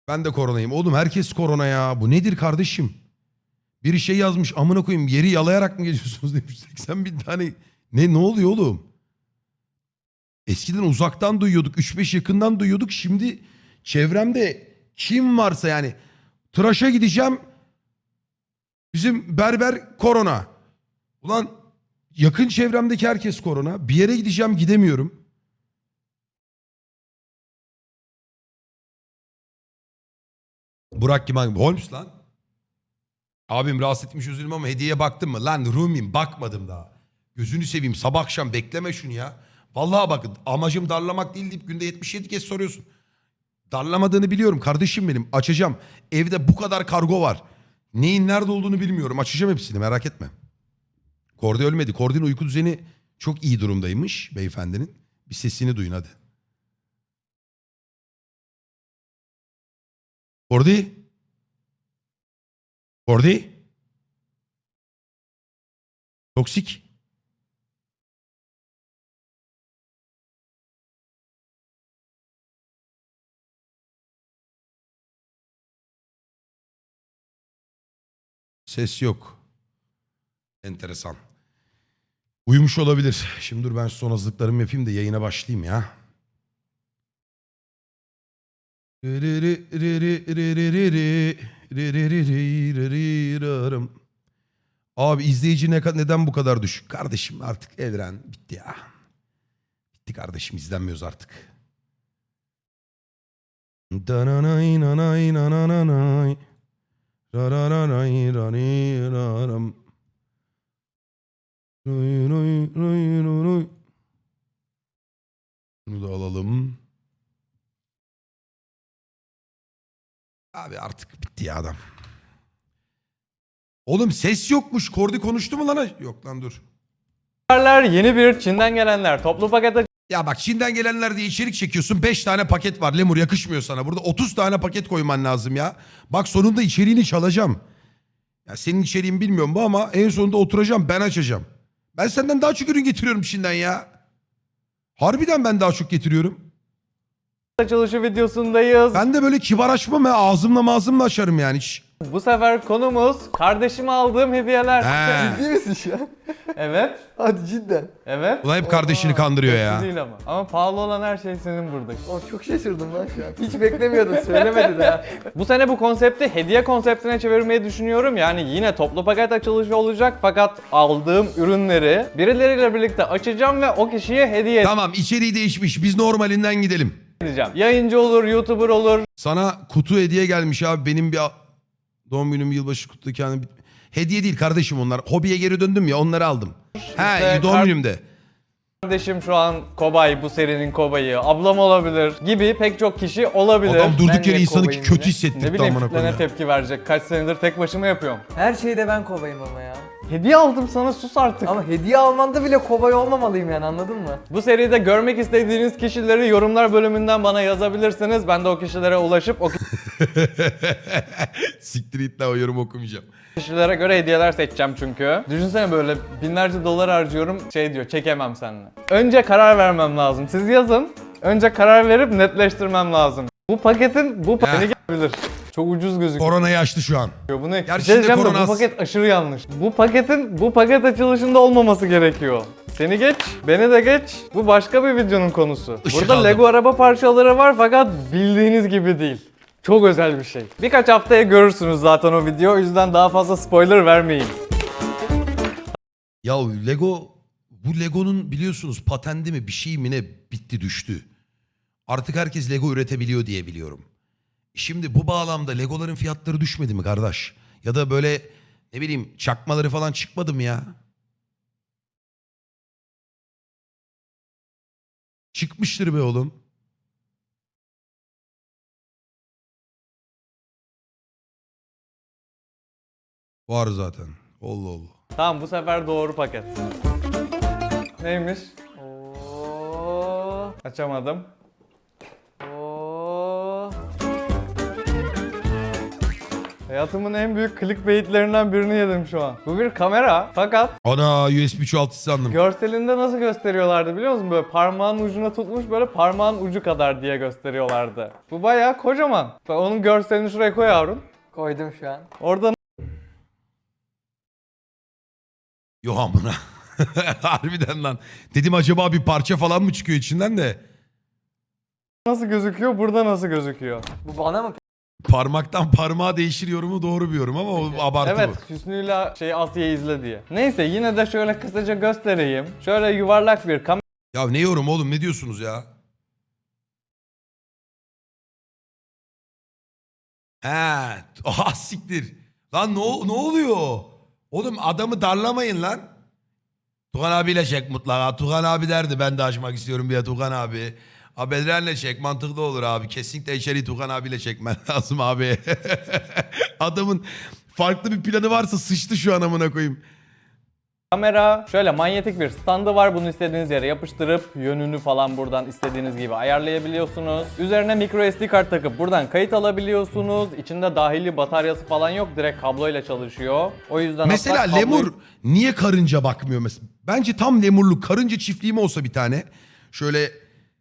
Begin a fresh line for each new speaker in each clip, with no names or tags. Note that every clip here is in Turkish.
Ben de koronayım. Oğlum herkes korona ya. Bu nedir kardeşim? Biri şey yazmış, amına koyayım, yeri yalayarak mı geziyorsunuz demiş. 80 bin tane. Ne oluyor oğlum? Eskiden uzaktan duyuyorduk. 3-5 yakından duyuyorduk. Şimdi çevremde kim varsa yani. Tıraşa gideceğim. Bizim berber korona. Ulan yakın çevremdeki herkes korona. Bir yere gideceğim, gidemiyorum. Burak kim abi? Holmes lan. Abim rahatsız etmiş, üzülüm ama hediyeye baktın mı? Lan Rumi'm, bakmadım daha. Gözünü seveyim, sabah akşam bekleme şunu ya. Vallahi bakın, amacım darlamak değil deyip günde 77 kez soruyorsun. Darlamadığını biliyorum kardeşim benim. Açacağım. Evde bu kadar kargo var. Neyin nerede olduğunu bilmiyorum. Açacağım hepsini, merak etme. Kordi ölmedi. Kordi'nin uyku düzeni çok iyi durumdaymış beyefendinin. Bir sesini duyun hadi. Kordi? Kordi? Toksik. Ses yok. Enteresan. Uyumuş olabilir. Şimdi dur ben son hazırlıklarımı yapayım da yayına başlayayım ya. Abi izleyici neden bu kadar düşük? Kardeşim artık evren bitti ya. Bitti kardeşim, izlenmiyoruz artık. Dananay nanay nananay. Rararanay rani raram. Roy roy roy roy roy. Bunu da alalım. Abi artık bitti ya adam. Oğlum ses yokmuş. Kordi konuştu mu lan? Yok lan dur.
Yeni bir Çin'den gelenler toplu paket
Ya bak, Çin'den gelenler diye içerik çekiyorsun. 5 tane paket var. Lemur yakışmıyor sana. Burada 30 tane paket koyman lazım ya. Bak sonunda içeriğini çalacağım. Ya senin içeriğin bilmiyorum bu ama en sonunda oturacağım, ben açacağım. Ben senden daha çok ürün getiriyorum Çin'den ya. Harbiden ben daha çok getiriyorum.
açılışı videosundayız.
Ben de böyle kibar açmam ya. Ağzımla açarım yani hiç.
Bu sefer konumuz kardeşime aldığım hediyeler.
He.
Ciddi misin şu an?
Evet.
Hadi cidden.
Evet.
Ulan hep kardeşini kandırıyor
Hepsi
ya.
değil ama. Ama pahalı olan her şey senin burada.
Çok şaşırdım lan şu an. Hiç beklemiyordum, söylemedi de.
Bu sene bu konsepti hediye konseptine çevirmeyi düşünüyorum. Yani yine toplu paket açılışı olacak fakat aldığım ürünleri birileriyle birlikte açacağım ve o kişiye hediye
Tamam, içeriği değişmiş. Biz normalinden gidelim.
edeceğim. Yayıncı olur, YouTuber olur.
Sana kutu hediye gelmiş abi. Benim bir doğum günüm, yılbaşı kutlu kendi... Hediye değil kardeşim onlar. Hobiye geri döndüm ya, onları aldım. He, doğum günümde.
Kardeşim şu an kobay, bu serinin kobayı, ablam olabilir gibi pek çok kişi olabilir.
Adam durduk
Ben
yere
niye
insanı
kobayım
kötü
yine?
Ne
hissettirdi
bileyim
amına
kitlene
koyayım.
tepki verecek. Kaç senedir tek başıma yapıyorum.
Her şeyde ben kobayım ama ya.
Hediye aldım sana, sus artık.
Ama hediye almanda bile kobay olmamalıyım yani, anladın mı?
Bu seride görmek istediğiniz kişileri yorumlar bölümünden bana yazabilirsiniz. Ben de o kişilere ulaşıp o
Siktir git lan, o yorum okumayacağım.
kişilere göre hediyeler seçeceğim çünkü. Düşünsene böyle binlerce dolar harcıyorum, şey diyor, çekemem seninle. Önce karar vermem lazım. Siz yazın. Önce karar verip netleştirmem lazım. Bu paketin bu paketi gelebilir. Çok ucuz gözüküyor.
Koronayı açtı şu an.
Bu ne?
Gerçi
Bir şey
de
diyeceğim de
korona
bu
az.
paket aşırı yanlış. Bu paket açılışında olmaması gerekiyor. Seni geç, beni de geç. Bu başka bir videonun konusu.
Işık
Burada
aldım.
Lego araba parçaları var fakat bildiğiniz gibi değil. Çok özel bir şey. Birkaç haftaya görürsünüz zaten o video. O yüzden daha fazla spoiler vermeyin.
Ya Lego, bu Lego'nun biliyorsunuz patendi mi bir şey mi ne bitti düştü. Artık herkes Lego üretebiliyor diye biliyorum. Şimdi bu bağlamda Legoların fiyatları düşmedi mi kardeş? Ya da böyle ne bileyim çakmaları falan çıkmadı mı ya? Çıkmıştır be oğlum. Var zaten. Allah Allah.
Tamam, bu sefer doğru paket. Neymiş? Oo, açamadım. Oo. Hayatımın en büyük clickbaitlerinden birini yedim şu an. Bu bir kamera fakat
Ana USB çoğaltıcı sandım.
görselinde nasıl gösteriyorlardı biliyor musun? Böyle parmağın ucuna tutmuş böyle parmağın ucu kadar diye gösteriyorlardı. Bu bayağı kocaman. Bak onun görselini şuraya koy Harun.
Koydum şu an.
Orada
Yo amına. Harbiden lan. Dedim acaba bir parça falan mı çıkıyor içinden de.
nasıl gözüküyor, burada nasıl gözüküyor?
Bu bana mı?
Parmaktan parmağa değişir yorumu doğru bir yorum ama o abartı
Evet,
bu.
Hüsnü'yle Asya'yı izle diye. Neyse yine de şöyle kısaca göstereyim. Şöyle yuvarlak bir kamera.
Ya ne yorum oğlum, ne diyorsunuz ya? He, aha siktir. Lan ne oluyor? Oğlum adamı darlamayın lan. Tugan abiyle çek mutlaka. Tugan abi derdi ben de açmak istiyorum bir Tugan abi. Abi Bedren'le çek mantıklı olur abi. Kesinlikle içeriği Tugan abiyle çekmen lazım abi. Adamın farklı bir planı varsa sıçtı şu an amına koyayım.
Kamera şöyle manyetik bir standı var. Bunu istediğiniz yere yapıştırıp yönünü falan buradan istediğiniz gibi ayarlayabiliyorsunuz. Üzerine micro SD kart takıp buradan kayıt alabiliyorsunuz. İçinde dahili bataryası falan yok. Direkt kabloyla çalışıyor. O yüzden
Mesela
hatta kabloyu-
lemur niye karınca bakmıyor mesela? Bence tam lemurluk karınca çiftliği mi olsa bir tane. Şöyle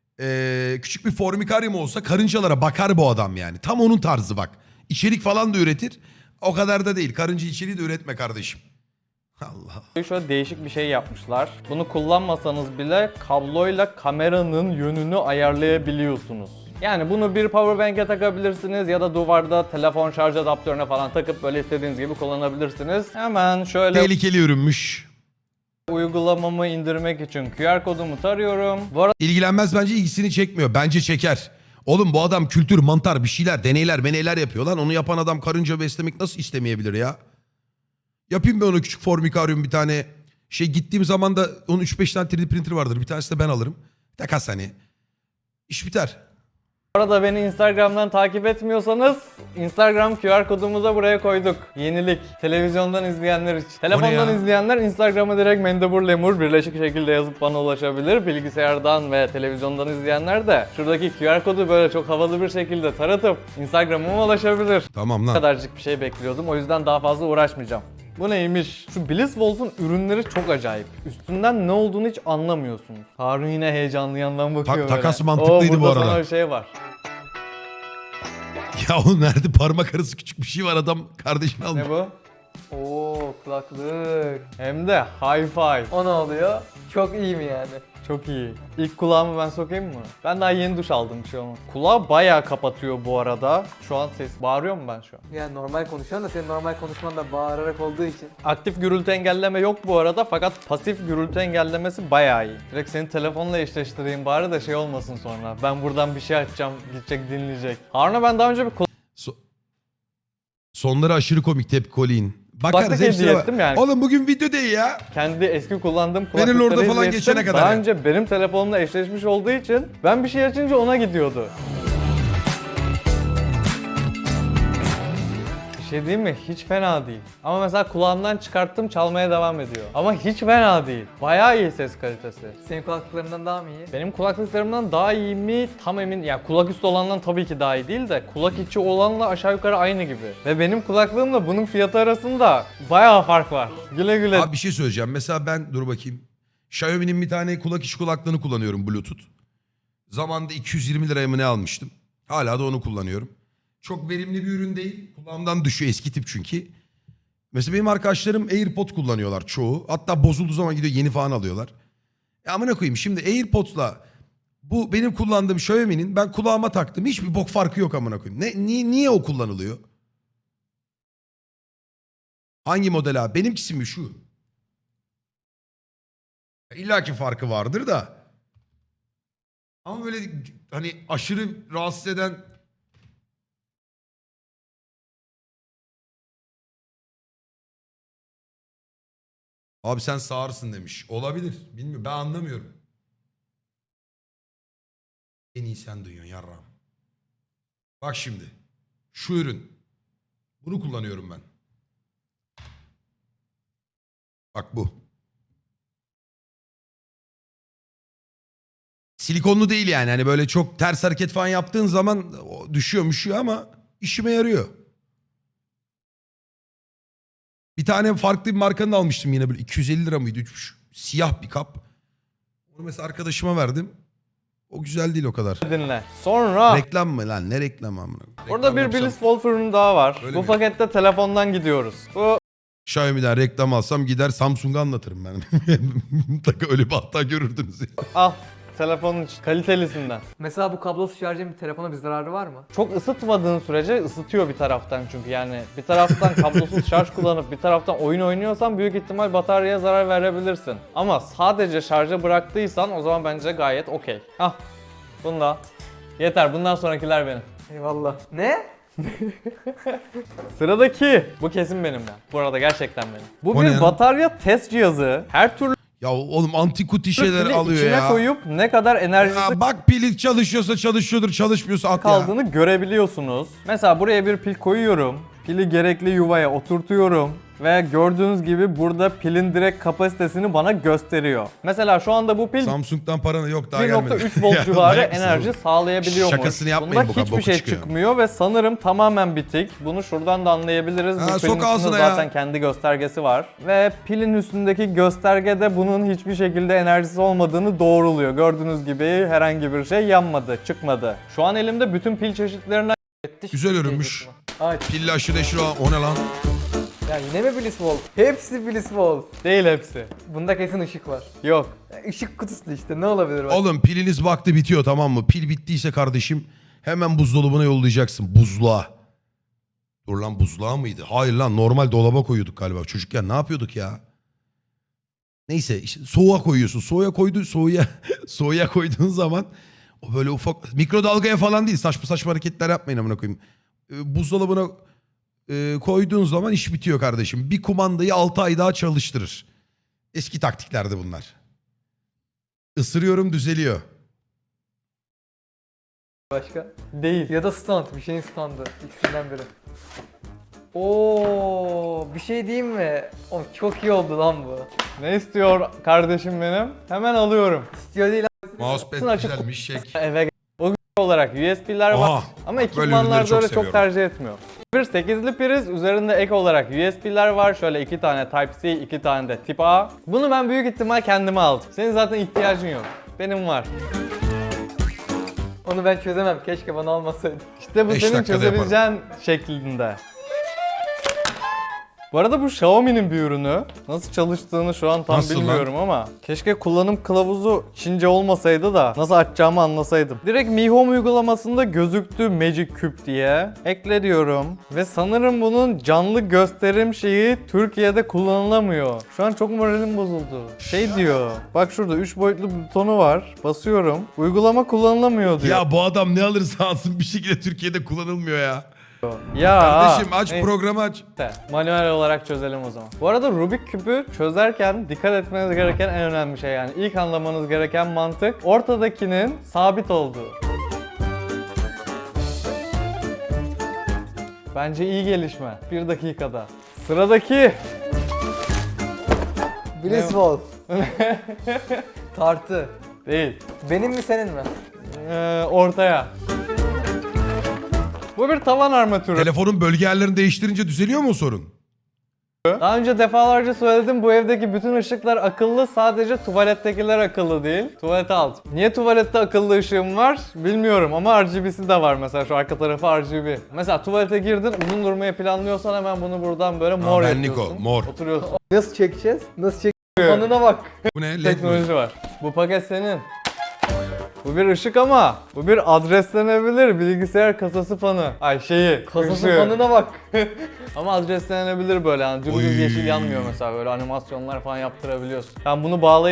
küçük bir formikaryum olsa karıncalara bakar bu adam yani. Tam onun tarzı bak. İçerik falan da üretir. O kadar da değil. Karınca içeriği de üretme kardeşim. Allah.
Şöyle değişik bir şey yapmışlar. Bunu kullanmasanız bile kabloyla kameranın yönünü ayarlayabiliyorsunuz. Yani bunu bir powerbank'e takabilirsiniz ya da duvarda telefon şarj adaptörüne falan takıp böyle istediğiniz gibi kullanabilirsiniz. Hemen şöyle
Tehlikeli ürünmüş.
uygulamamı indirmek için QR kodumu tarıyorum. Bu arada
İlgilenmez bence, ilgisini çekmiyor. Bence çeker. Oğlum bu adam kültür, mantar bir şeyler, deneyler yapıyor lan. Onu yapan adam karınca beslemek nasıl istemeyebilir ya? Yapayım ben ona küçük formikaryum bir tane. Gittiğim zaman da onun 3-5 tane 3D printer vardır. Bir tanesi de ben alırım. Takas hani. İş biter.
Bu arada beni Instagram'dan takip etmiyorsanız Instagram QR kodumuzu da buraya koyduk. Yenilik. Televizyondan izleyenler için. Telefondan
ya?
izleyenler Instagram'a direkt Mendebur Lemur birleşik şekilde yazıp bana ulaşabilir. Bilgisayardan ve televizyondan izleyenler de şuradaki QR kodu böyle çok havalı bir şekilde taratıp Instagram'ıma ulaşabilir.
Tamam
Bu
lan.
kadarcık bir şey bekliyordum. O yüzden daha fazla uğraşmayacağım. Bu neymiş? Şu Blitzwolf'un ürünleri çok acayip. Üstünden ne olduğunu hiç anlamıyorsunuz. Harun yine heyecanlı yandan bakıyor böyle.
takas mantıklıydı
Oo,
bu
burada
arada.
sana bir şey var.
Ya oğlum nerede parmak arası küçük bir şey var, adam kardeşini almış.
Ne bu?
Oo, kulaklık.
Hem de hi-fi.
O ne oluyor? Çok iyi mi yani?
Çok iyi. İlk kulağımı ben sokayım mı? Ben daha yeni duş aldım, bir şey olmaz. Kulağı bayağı kapatıyor bu arada. Şu an ses bağırıyor mu ben şu an?
Yani normal konuşuyorsun da senin normal konuşman da bağırarak olduğu için.
Aktif gürültü engelleme yok bu arada fakat pasif gürültü engellemesi bayağı iyi. Direkt seni telefonla eşleştireyim bari de şey olmasın sonra. Ben buradan bir şey açacağım, gidecek dinleyecek. Harun'a ben daha önce bir
Sonları aşırı komik, tepki Colin. Bakarız
Kulaklık
hepsine
hediye
bak.
ettim yani.
Oğlum bugün video değil ya.
kendi eski kullandığım
Benim
kulaklıkları
orada falan
hediye
geçene
ettim.
kadar
Daha
yani.
önce benim telefonumla eşleşmiş olduğu için ben bir şey açınca ona gidiyordu. Bir şey değil mi? Hiç fena değil. Ama mesela kulağımdan çıkarttım çalmaya devam ediyor. Ama hiç fena değil. Bayağı iyi ses kalitesi.
Senin kulaklıklarından daha mı iyi?
Benim kulaklıklarımdan daha iyi mi? Tam emin. Ya kulak üstü olandan tabii ki daha iyi değil de kulak içi olanla aşağı yukarı aynı gibi. Ve benim kulaklığımla bunun fiyatı arasında bayağı fark var. Güle güle.
Abi bir şey söyleyeceğim. Mesela ben dur bakayım. Xiaomi'nin bir tane kulak içi kulaklığını kullanıyorum, Bluetooth. Zamanında 220 liraya mı ne almıştım. Hala da onu kullanıyorum. Çok verimli bir ürün değil. Kulağımdan düşüyor, eski tip çünkü. Mesela benim arkadaşlarım AirPod kullanıyorlar çoğu. Hatta bozulduğu zaman gidiyor yeni falan alıyorlar. Amına koyayım, şimdi AirPods'la bu benim kullandığım Xiaomi'nin ben kulağıma taktım. Hiçbir bok farkı yok amına koyayım. Niye o kullanılıyor? Hangi model abi? Benimkisi mi şu? İlla ki farkı vardır da. Ama böyle hani aşırı rahatsız eden... Abi sen sağırsın demiş. Olabilir. Bilmiyorum. Ben anlamıyorum. En iyi sen duyuyorsun yarrağım. Bak şimdi. Şu ürün. Bunu kullanıyorum ben. Bak bu. Silikonlu değil yani. Hani böyle çok ters hareket falan yaptığın zaman düşüyor ama işime yarıyor. Bir tane farklı bir markanın almıştım yine böyle 250 lira mıydı? Siyah bir kap. Onu mesela arkadaşıma verdim. O güzel değil o kadar.
dinle. Sonra
Reklam mı lan? Ne reklamı amına?
burada
Reklam
bir
yapsam-
Billis Wolf ürünü daha var.
Öyle
Bu
mi?
pakette telefondan gidiyoruz. Bu
Xiaomi'den reklam alsam gider Samsung'a anlatırım ben. Mutlaka öyle bir hatta görürdünüz.
al. Telefonun kalitelisinden.
Mesela bu kablosuz şarjın bir telefona bir zararı var mı?
Çok ısıtmadığın sürece ısıtıyor bir taraftan çünkü yani bir taraftan kablosuz şarj kullanıp bir taraftan oyun oynuyorsan büyük ihtimal bataryaya zarar verebilirsin. Ama sadece şarja bıraktıysan o zaman bence gayet okey. Hah, bunda. Yeter, bundan sonrakiler benim.
Eyvallah. Ne?
Sıradaki. Bu kesin benim ya. Bu arada gerçekten benim. Bu
O ne
bir
ya?
batarya test cihazı. Her türlü
Ya oğlum antikuti şeyler
pili
alıyor
içine
ya.
koyup ne kadar enerjisi
Ya bak pili çalışıyorsa çalışıyordur, çalışmıyorsa at ya.
kaldığını görebiliyorsunuz. Mesela buraya bir pil koyuyorum. Pili gerekli yuvaya oturtuyorum. Ve gördüğünüz gibi burada pilin direkt kapasitesini bana gösteriyor. Mesela şu anda bu pil
Samsung'dan paranı yok daha gelmedi.
1.3 volt
Ya
civarı
manyak mısın
enerji
oğlum?
sağlayabiliyormuş.
Şakasını yapmayın,
Bunda
bu
hiçbir
boku
şey
çıkıyor.
çıkmıyor ve sanırım tamamen bitik. Bunu şuradan da anlayabiliriz.
Ha,
Bu
sok
pilin üstünde
ağzına ya.
zaten kendi göstergesi var. Ve pilin üstündeki göstergede bunun hiçbir şekilde enerjisi olmadığını doğruluyor. Gördüğünüz gibi herhangi bir şey yanmadı, çıkmadı. Şu an elimde bütün pil çeşitlerinden
Güzel ürünmüş.
Aç.
Pilli aşırı neşir o ne lan?
Ya yine mi Billis Wolf? Hepsi Billis Wolf.
değil hepsi.
Bunda kesin ışık var.
Yok.
Ya ışık kutusu işte ne olabilir bak.
Oğlum piliniz vakti bitiyor tamam mı? Pil bittiyse kardeşim hemen buzdolabına yollayacaksın. Buzluğa. Dur lan buzluğa mıydı? Hayır lan normal dolaba koyuyorduk galiba. Çocukken ne yapıyorduk ya? Neyse işte soğuğa koyuyorsun. Soğuğa koyduğun zaman o böyle ufak mikrodalgaya falan değil. Saçma saçma hareketler yapmayın amına koyayım. Buzdolabına koyduğun zaman iş bitiyor kardeşim. Bir kumandayı 6 ay daha çalıştırır. Eski taktiklerdi bunlar. Isırıyorum düzeliyor.
Başka.
Değil.
Ya da stand. Bir şeyin standı. İkisinden biri. Oo, bir şey diyeyim mi? O çok iyi oldu lan bu.
Ne istiyor kardeşim benim? Hemen alıyorum.
İstiyor değil
Mousepad
Açık-
güzelmiş şek.
Eve o olarak USB'ler var.
Aha,
Ama
ürünleri
ekipmanlarda
çok
öyle çok
seviyorum.
tercih etmiyor. Bir 8'li priz, üzerinde ek olarak USB'ler var. Şöyle 2 tane Type-C, 2 tane de Tip A. Bunu ben büyük ihtimal kendime aldım. Senin zaten ihtiyacın yok. Benim var.
Onu ben çözemem. Keşke bana almasaydın.
İşte bu
5
senin
dakikada
çözebileceğin şeklinde. Bu arada bu Xiaomi'nin bir ürünü. Nasıl çalıştığını şu an tam
Nasıl lan?
bilmiyorum ama keşke kullanım kılavuzu Çince olmasaydı da nasıl açacağımı anlasaydım. Direkt Mi Home uygulamasında gözüktü Magic Cube diye. Ekle diyorum ve sanırım bunun canlı gösterim şeyi Türkiye'de kullanılamıyor. Şu an çok moralim bozuldu. Şey diyor. Bak şurada 3 boyutlu butonu var. Basıyorum. Uygulama kullanılamıyor diyor.
Ya bu adam ne alırsa alsın bir şekilde Türkiye'de kullanılmıyor ya.
Ya.
Kardeşim aç
neyse.
programı aç.
Manuel olarak çözelim o zaman. Bu arada Rubik küpü çözerken dikkat etmeniz gereken en önemli şey yani ilk anlamanız gereken mantık ortadakinin sabit olduğu. Bence iyi gelişme. 1 dakikada. Sıradaki
Billis
Ne?
Wolf. Tartı.
değil.
Benim mi senin mi?
Ortaya. Bu bir tavan armatürü.
Telefonun bölge yerlerini değiştirince düzeliyor mu o sorun?
Daha önce defalarca söyledim bu evdeki bütün ışıklar akıllı, sadece tuvalettekiler akıllı değil. Tuvalete alt. Niye tuvalette akıllı ışığım var bilmiyorum ama RGB'si de var mesela şu arka tarafı RGB. Mesela tuvalete girdin uzun durmayı planlıyorsan hemen bunu buradan böyle mor
benlik
yapıyorsun.
o, mor.
Oturuyorsun.
Nasıl çekeceğiz? Nasıl çekeceğiz? Fanına bak.
Bu ne? LED mi?
Teknoloji var. Bu paket senin. Bu bir ışık ama bu bir adreslenebilir bilgisayar kasası fanı. Ay şeyi.
Kasası
ışığı.
fanına bak.
Ama adreslenebilir böyle yani dümdüz
Oy.
yeşil yanmıyor mesela böyle animasyonlar falan yaptırabiliyorsun. Ben bunu bağlayıp